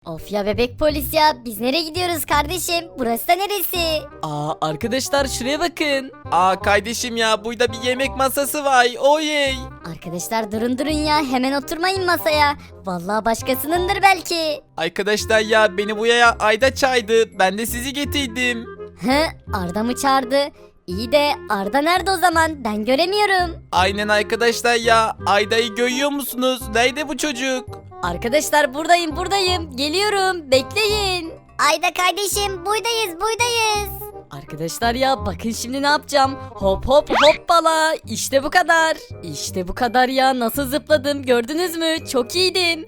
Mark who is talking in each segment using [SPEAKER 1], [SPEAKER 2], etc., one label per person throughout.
[SPEAKER 1] Of ya bebek polis ya, biz nereye gidiyoruz kardeşim? Burası da neresi?
[SPEAKER 2] Arkadaşlar şuraya bakın. Kardeşim ya burada bir yemek masası var. Oyey.
[SPEAKER 1] Arkadaşlar durun ya, hemen oturmayın masaya. Vallahi başkasınındır belki.
[SPEAKER 2] Arkadaşlar ya beni buraya Ayda çağırdı. Ben de sizi getirdim.
[SPEAKER 1] Hı, Arda mı çağırdı? İyi de Arda nerede o zaman? Ben göremiyorum.
[SPEAKER 2] Aynen arkadaşlar ya. Ayda'yı görüyor musunuz? Nerede bu çocuk?
[SPEAKER 1] Arkadaşlar buradayım. Geliyorum, bekleyin. Ayda kardeşim, buradayız. Arkadaşlar ya bakın şimdi ne yapacağım. Hop hop hoppala. İşte bu kadar. İşte bu kadar ya. Nasıl zıpladım gördünüz mü? Çok iyiydim.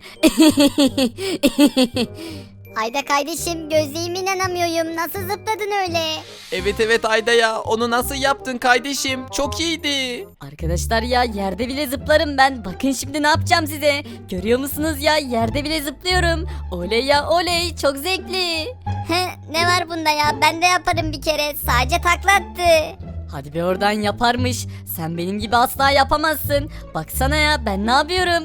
[SPEAKER 1] Ayda kardeşim, gözlerime inanamıyorum. Nasıl zıpladın öyle?
[SPEAKER 2] Evet Ayda ya. Onu nasıl yaptın kardeşim? Çok iyiydi.
[SPEAKER 1] Arkadaşlar ya yerde bile zıplarım ben. Bakın şimdi ne yapacağım size. Görüyor musunuz ya, yerde bile zıplıyorum. Oley ya oley, çok zevkli. Ne var bunda ya, ben de yaparım bir kere. Sadece takla attı. Hadi be oradan, yaparmış. Sen benim gibi asla yapamazsın. Baksana ya ben ne yapıyorum.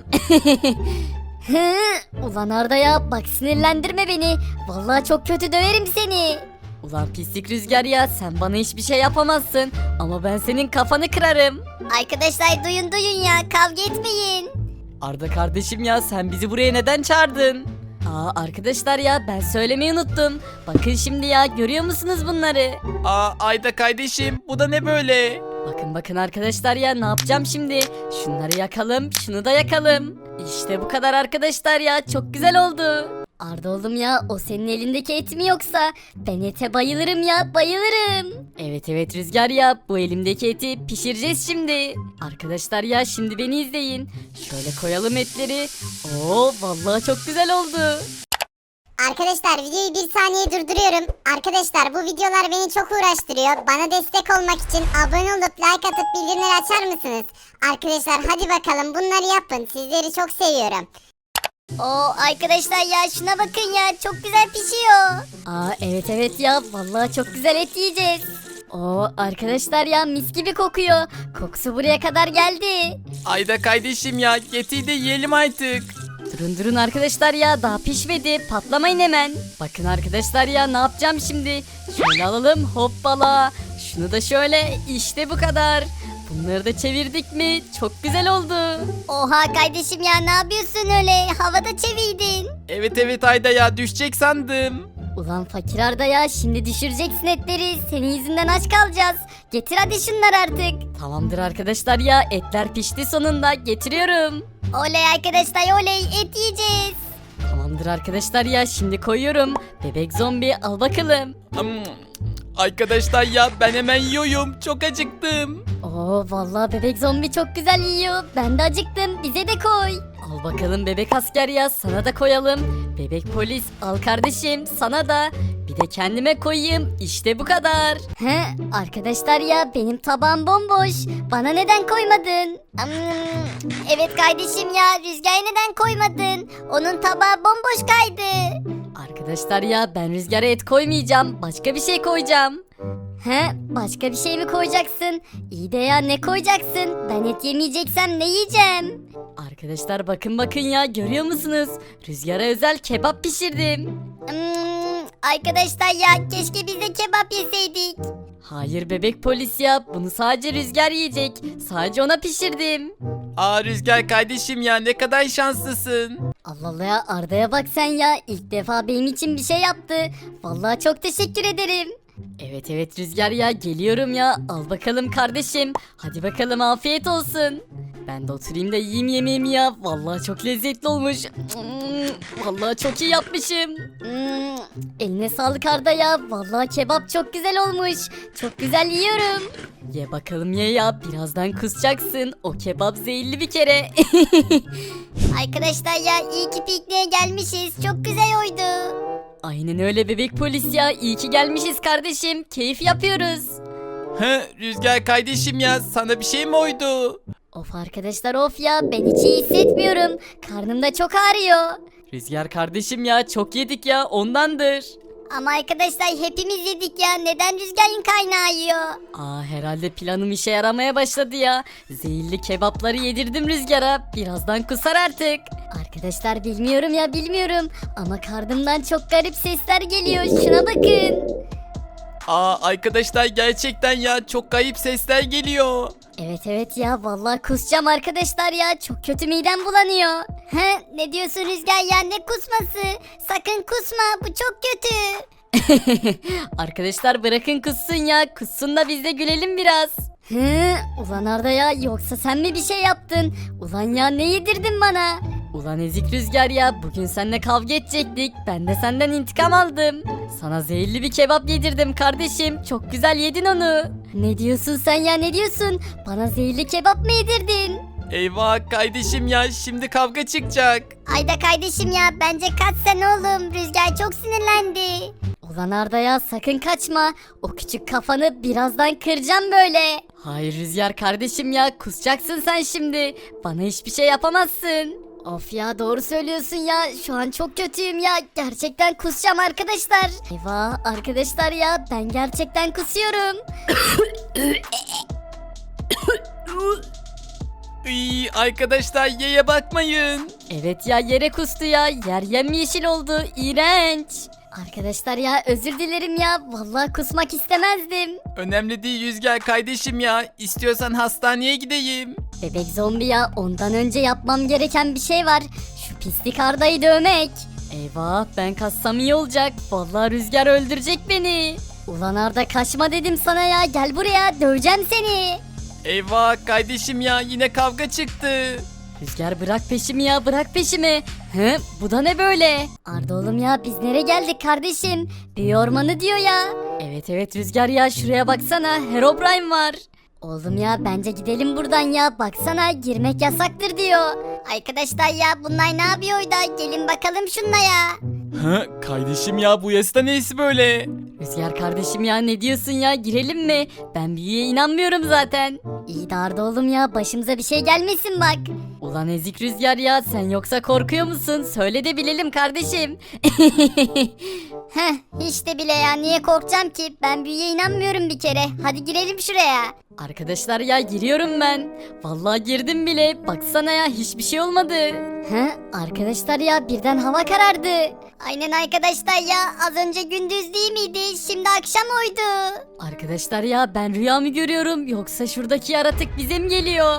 [SPEAKER 1] Ulan Arda ya, bak sinirlendirme beni. Vallahi çok kötü döverim seni. Ulan pislik Rüzgar ya, sen bana hiçbir şey yapamazsın. Ama ben senin kafanı kırarım. Arkadaşlar duyun ya, kavga etmeyin. Arda kardeşim ya, sen bizi buraya neden çağırdın? Arkadaşlar ya ben söylemeyi unuttum. Bakın şimdi ya, görüyor musunuz bunları?
[SPEAKER 2] Ayda kardeşim bu da ne böyle?
[SPEAKER 1] Bakın arkadaşlar ya, ne yapacağım şimdi? Şunları yakalım, şunu da yakalım. İşte bu kadar arkadaşlar ya, çok güzel oldu. Arda oğlum ya, o senin elindeki et mi yoksa? Ben ete bayılırım ya, bayılırım. Evet Rüzgar ya, bu elimdeki eti pişireceğiz şimdi. Arkadaşlar ya şimdi beni izleyin. Şöyle koyalım etleri. Oo vallahi çok güzel oldu.
[SPEAKER 3] Arkadaşlar videoyu bir saniye durduruyorum. Arkadaşlar bu videolar beni çok uğraştırıyor. Bana destek olmak için abone olup like atıp bildirimleri açar mısınız? Arkadaşlar hadi bakalım bunları yapın. Sizleri çok seviyorum. Arkadaşlar ya şuna bakın ya, çok güzel pişiyor.
[SPEAKER 1] Evet ya, vallahi çok güzel et yiyeceğiz. Arkadaşlar ya, mis gibi kokuyor. Kokusu buraya kadar geldi.
[SPEAKER 2] Ayda kardeşim ya getir de yiyelim artık.
[SPEAKER 1] Durun arkadaşlar ya, daha pişmedi, patlamayın hemen. Bakın arkadaşlar ya, ne yapacağım şimdi? Şöyle alalım, hoppala. Şunu da şöyle, işte bu kadar. Bunları da çevirdik mi çok güzel oldu.
[SPEAKER 3] Oha kardeşim ya, ne yapıyorsun öyle? Havada çevirdin.
[SPEAKER 2] Evet Ayda ya düşecek sandım.
[SPEAKER 1] Ulan fakir Arda ya, şimdi düşüreceksin etleri. Senin yüzünden aç kalacağız. Getir hadi şunları artık. Tamamdır arkadaşlar ya, etler pişti sonunda, getiriyorum.
[SPEAKER 3] Oley arkadaşlar oley, et yiyeceğiz.
[SPEAKER 1] Tamamdır arkadaşlar ya, şimdi koyuyorum. Bebek zombi al bakalım.
[SPEAKER 2] Arkadaşlar ya ben hemen yiyorum. Çok acıktım.
[SPEAKER 1] Vallahi bebek zombi çok güzel yiyor. Ben de acıktım, bize de koy. Al bakalım bebek asker ya, sana da koyalım. Bebek polis al kardeşim, sana da. Bir de kendime koyayım, işte bu kadar. Arkadaşlar ya benim tabağım bomboş. Bana neden koymadın?
[SPEAKER 3] Evet kardeşim ya, Rüzgar'a neden koymadın? Onun tabağı bomboş kaydı.
[SPEAKER 1] Arkadaşlar ya ben Rüzgar'a et koymayacağım, başka bir şey koyacağım. Başka bir şey mi koyacaksın? İyi de ya, ne koyacaksın? Ben et yemeyeceksem ne yiyeceğim? Arkadaşlar bakın ya, görüyor musunuz? Rüzgar'a özel kebap pişirdim.
[SPEAKER 3] Arkadaşlar ya keşke biz de kebap yeseydik.
[SPEAKER 1] Hayır bebek polis ya, bunu sadece Rüzgar yiyecek. Sadece ona pişirdim.
[SPEAKER 2] Rüzgar kardeşim ya ne kadar şanslısın.
[SPEAKER 1] Allah Allah ya, Arda'ya bak sen ya, ilk defa benim için bir şey yaptı. Vallahi çok teşekkür ederim. Evet Rüzgar ya, geliyorum ya, al bakalım kardeşim. Hadi bakalım, afiyet olsun. Ben de oturayım da yiyeyim yemeğimi ya. Vallahi çok lezzetli olmuş. Vallahi çok iyi yapmışım. Eline sağlık Arda ya. Vallahi kebap çok güzel olmuş. Çok güzel yiyorum. Ye bakalım ye ya. Birazdan kusacaksın. O kebap zehirli bir kere.
[SPEAKER 3] Arkadaşlar ya iyi ki pikniğe gelmişiz. Çok güzel oydu.
[SPEAKER 1] Aynen öyle bebek polis ya. İyi ki gelmişiz kardeşim. Keyif yapıyoruz.
[SPEAKER 2] Rüzgar kardeşim ya sana bir şey mi oydu?
[SPEAKER 1] Of arkadaşlar of ya, ben hiç iyi hissetmiyorum. Karnım da çok ağrıyor. Rüzgar kardeşim ya, çok yedik ya, ondandır.
[SPEAKER 3] Ama arkadaşlar hepimiz yedik ya. Neden Rüzgar'ın kaynağı yiyor?
[SPEAKER 1] Herhalde planım işe yaramaya başladı ya. Zehirli kebapları yedirdim Rüzgar'a. Birazdan kusar artık. Arkadaşlar bilmiyorum ya bilmiyorum. Ama karnımdan çok garip sesler geliyor. Şuna bakın.
[SPEAKER 2] Arkadaşlar gerçekten ya çok kayıp sesler geliyor.
[SPEAKER 1] Evet ya vallahi kusacağım arkadaşlar ya. Çok kötü midem bulanıyor.
[SPEAKER 3] He, ne diyorsun Rüzgar ya, ne kusması? Sakın kusma, bu çok kötü.
[SPEAKER 1] Arkadaşlar bırakın kussun ya. Kussun da biz de gülelim biraz. Hı, ulan Arda ya yoksa sen mi bir şey yaptın? Ulan ya ne yedirdin bana? Ulan ezik Rüzgar ya bugün seninle kavga edecektik. Ben de senden intikam aldım. Sana zehirli bir kebap yedirdim kardeşim. Çok güzel yedin onu. Ne diyorsun sen ya ne diyorsun? Bana zehirli kebap mı yedirdin?
[SPEAKER 2] Eyvah kardeşim ya şimdi kavga çıkacak.
[SPEAKER 3] Ayda kardeşim ya, bence kaç sen oğlum. Rüzgar çok sinirlendi.
[SPEAKER 1] Ulan Arda ya sakın kaçma. O küçük kafanı birazdan kıracağım böyle. Hayır Rüzgar kardeşim ya kusacaksın sen şimdi. Bana hiçbir şey yapamazsın. Of ya doğru söylüyorsun ya. Şu an çok kötüyüm ya. Gerçekten kusacağım arkadaşlar. Eyvah arkadaşlar ya ben gerçekten kusuyorum.
[SPEAKER 2] Arkadaşlar yeye bakmayın.
[SPEAKER 1] Evet ya yere kustu ya. Yer yemyeşil oldu. İğrenç. Arkadaşlar ya özür dilerim ya. Vallahi kusmak istemezdim.
[SPEAKER 2] Önemli değil Rüzgar kardeşim ya. İstiyorsan hastaneye gideyim.
[SPEAKER 1] Bebek zombi ya ondan önce yapmam gereken bir şey var. Şu pislik Arda'yı dövmek. Eyvah ben kaçsam iyi olacak. Vallahi Rüzgar öldürecek beni. Ulan Arda kaçma dedim sana ya. Gel buraya döveceğim seni.
[SPEAKER 2] Eyvah kardeşim ya yine kavga çıktı.
[SPEAKER 1] Rüzgar bırak peşimi ya bırak peşimi. Hı, bu da ne böyle? Arda oğlum ya biz nereye geldik kardeşim? Büyü ormanı diyor ya. Evet Rüzgar ya şuraya baksana Herobrine var. Oğlum ya bence gidelim buradan ya. Baksana girmek yasaktır diyor.
[SPEAKER 3] Arkadaşlar ya bunlar ne yapıyor da? Gelin bakalım şunlara.
[SPEAKER 2] Kardeşim ya bu yasta neyse böyle?
[SPEAKER 1] Rüzgar kardeşim ya ne diyorsun ya girelim mi? Ben büyüye inanmıyorum zaten. İyi de Arda oğlum ya başımıza bir şey gelmesin bak. Ulan ezik Rüzgar ya sen yoksa korkuyor musun? Söyle de bilelim kardeşim.
[SPEAKER 3] Heh, hiç de bile ya, niye korkacağım ki? Ben büyüye inanmıyorum bir kere. Hadi girelim şuraya.
[SPEAKER 1] Arkadaşlar ya giriyorum ben. Vallahi girdim bile. Baksana ya hiçbir şey olmadı. He? Arkadaşlar ya birden hava karardı.
[SPEAKER 3] Aynen arkadaşlar ya, az önce gündüz değil miydi? Şimdi akşam oydu.
[SPEAKER 1] Arkadaşlar ya ben rüya mı görüyorum yoksa şuradaki yaratık bize mi geliyor?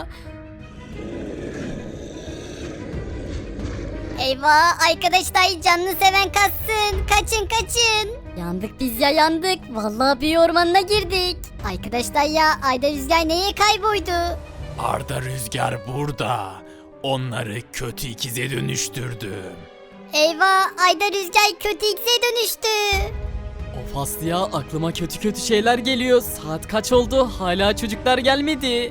[SPEAKER 3] Eyvah arkadaşlar, canını seven kaçsın. Kaçın.
[SPEAKER 1] Yandık biz ya yandık. Vallahi büyü ormanına girdik.
[SPEAKER 3] Arkadaşlar ya, Ayda Rüzgar neye kayboldu?
[SPEAKER 2] Arda Rüzgar burada. Onları kötü ikize dönüştürdüm.
[SPEAKER 3] Eyvah, Ayda Rüzgar kötü X'e dönüştü.
[SPEAKER 2] Of Aslı ya aklıma kötü şeyler geliyor. Saat kaç oldu hala çocuklar gelmedi.